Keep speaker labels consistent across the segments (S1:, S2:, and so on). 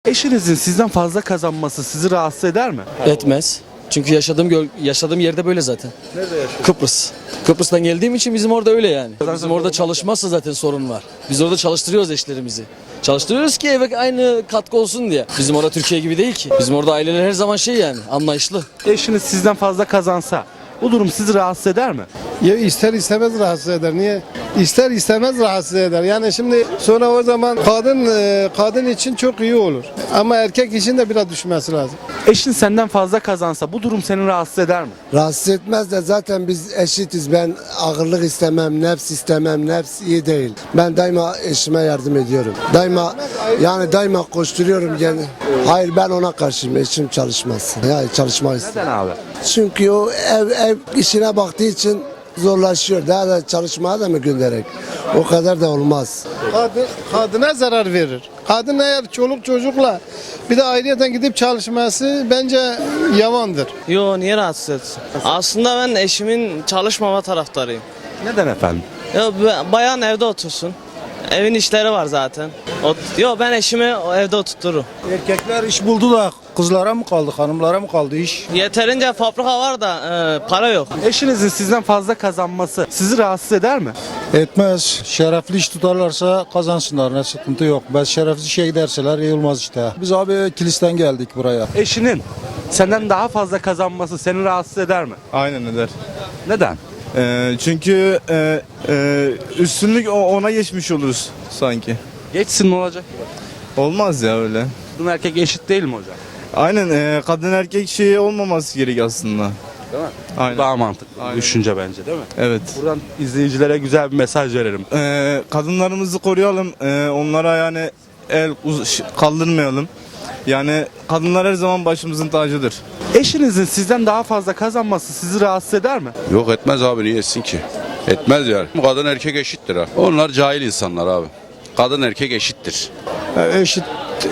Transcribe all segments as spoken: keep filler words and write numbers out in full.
S1: Eşinizin sizden fazla kazanması sizi rahatsız eder mi?
S2: Etmez. Çünkü yaşadığım göl- yaşadığım yerde böyle zaten.
S1: Nerede yaşıyorsun?
S2: Kıbrıs. Kıbrıs'tan geldiğim için bizim orada öyle yani. Bizim orada çalışmazsa zaten sorun var. Biz orada çalıştırıyoruz eşlerimizi. Çalıştırıyoruz ki eve aynı katkı olsun diye. Bizim orada Türkiye gibi değil ki. Bizim orada aileler her zaman şey yani anlayışlı.
S1: Eşiniz sizden fazla kazansa bu durum sizi rahatsız eder mi?
S3: Ya ister istemez rahatsız eder. Niye? İster istemez rahatsız eder. Yani şimdi sonra o zaman kadın e, kadın için çok iyi olur. Ama erkek için de biraz düşmesi lazım.
S1: Eşin senden fazla kazansa bu durum seni rahatsız eder mi?
S4: Rahatsız etmez de zaten biz eşitiz. Ben ağırlık istemem, nefs istemem, nefs iyi değil. Ben daima eşime yardım ediyorum. Daima yani daima koşturuyorum yani. Hayır ben ona karşıyım. Eşim çalışmaz. Yani çalışmak ister.
S1: Neden abi?
S4: Çünkü o ev ev işine baktığı için zorlaşıyor. Daha da çalışmaya da mı göndererek? O kadar da olmaz.
S3: Kadın, kadına zarar verir. Kadın eğer çoluk çocukla bir de ayrıyeten gidip çalışması bence yavandır.
S5: Yo, niye rahatsız etsin? Aslında ben eşimin çalışmama taraftarıyım.
S1: Neden efendim?
S5: Ya b- bayan evde otursun. Evin işleri var zaten. Ot Yo, ben eşimi evde oturturum.
S6: Erkekler iş buldu da kızlara mı kaldı, hanımlara mı kaldı iş?
S5: Yeterince fabrika var da e, para yok.
S1: Eşinizin sizden fazla kazanması sizi rahatsız eder mi?
S6: Etmez. Şerefli iş tutarlarsa kazansınlar, ne sıkıntı yok. Ben şerefsiz şey giderseler iyi olmaz işte. Biz abi kilisten geldik buraya.
S1: Eşinin senden daha fazla kazanması seni rahatsız eder mi?
S7: Aynen eder.
S1: Neden?
S7: Ee, çünkü e, e, üstünlük o- ona geçmiş oluruz sanki.
S1: Geçsin ne olacak?
S7: Olmaz ya öyle.
S1: Kadın erkek eşit değil mi hocam?
S7: Aynen e, kadın erkek şeyi olmaması gerek aslında.
S1: Değil mi?
S7: Aynen.
S1: Daha mantıklı.
S7: Aynen.
S1: Düşünce bence değil mi?
S7: Evet.
S1: Buradan izleyicilere güzel bir mesaj verelim.
S7: Ee, kadınlarımızı koruyalım. Ee, onlara yani el uz- kaldırmayalım. Yani kadınlar her zaman başımızın tacıdır.
S1: Eşinizin sizden daha fazla kazanması sizi rahatsız eder mi?
S8: Yok etmez abi, niye etsin ki? Etmez yani. Kadın erkek eşittir ha. Onlar cahil insanlar abi. Kadın erkek eşittir.
S6: Eşit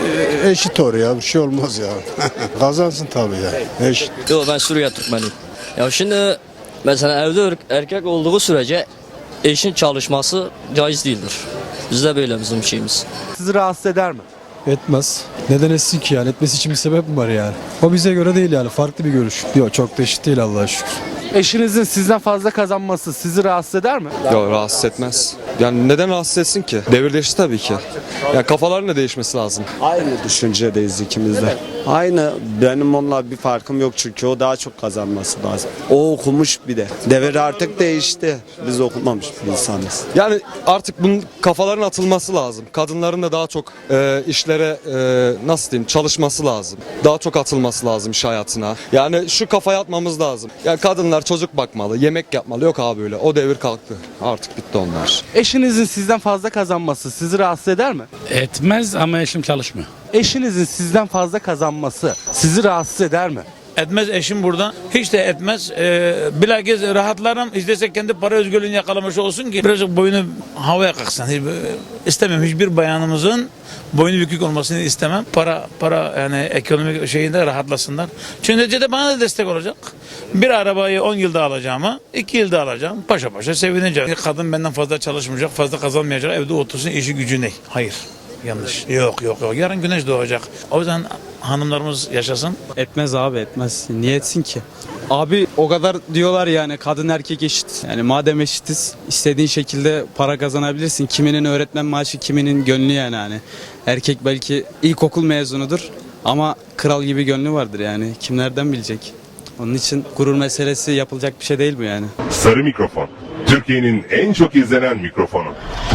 S6: eşit oraya bir şey olmaz ya. Kazansın tabii ya. Eşit.
S2: Yok ben Suriye Türkmeniyim. Ya şimdi mesela evde er- erkek olduğu sürece eşin çalışması caiz değildir. Bizde böyle bizim şeyimiz.
S1: Sizi rahatsız eder mi?
S9: Etmez. Neden etsin ki yani? Etmesi için bir sebep mi var yani? O bize göre değil yani. Farklı bir görüş. Yok çok da eşit değil Allah'a şükür.
S1: Eşinizin sizden fazla kazanması sizi rahatsız eder mi?
S10: Yok rahatsız etmez. Yani neden rahatsız etsin ki? Devir değişti tabii ki. Yani kafaların da değişmesi lazım.
S11: Aynı düşüncedeyiz ikimiz de. Aynı. Benim onunla bir farkım yok çünkü o daha çok kazanması lazım. O okumuş bir de. Devir artık değişti. Biz okumamış bir insanız.
S10: Yani artık bunun kafaların atılması lazım. Kadınların da daha çok e, işlere e, nasıl diyeyim çalışması lazım. Daha çok atılması lazım iş hayatına. Yani şu kafaya atmamız lazım. Yani kadınlar çocuk bakmalı, yemek yapmalı. Yok abi öyle. O devir kalktı. Artık bitti onlar.
S1: Eşinizin sizden fazla kazanması sizi rahatsız eder mi?
S12: Etmez ama eşim çalışmıyor.
S1: Eşinizin sizden fazla kazanması sizi rahatsız eder mi?
S12: Etmez eşim burada. Hiç de etmez. Ee, bilakis rahatlarım. İstesek kendi para özgürlüğünü yakalamış olsun ki birazcık boyunu havaya kalksın. Hiç, istemem. Hiçbir bayanımızın boynu bükük olmasını istemem. Para para yani ekonomik şeyinde rahatlasınlar. Çünkü neticede bana da destek olacak. Bir arabayı on yılda alacağıma iki yılda alacağım. Paşa paşa sevineceğim. Kadın benden fazla çalışmayacak, fazla kazanmayacak. Evde otursun, işi gücü ne? Hayır. Yanlış. Yok yok yok. Yarın güneş doğacak. O yüzden hanımlarımız yaşasın.
S11: Etmez abi etmez. Niye etsin ki? Abi o kadar diyorlar yani kadın erkek eşit. Yani madem eşitiz istediğin şekilde para kazanabilirsin. Kiminin öğretmen maaşı kiminin gönlü yani hani. Erkek belki ilkokul mezunudur ama kral gibi gönlü vardır yani. Kim nereden bilecek? Onun için gurur meselesi yapılacak bir şey değil bu yani.
S13: Sarı Mikrofon. Türkiye'nin en çok izlenen mikrofonu.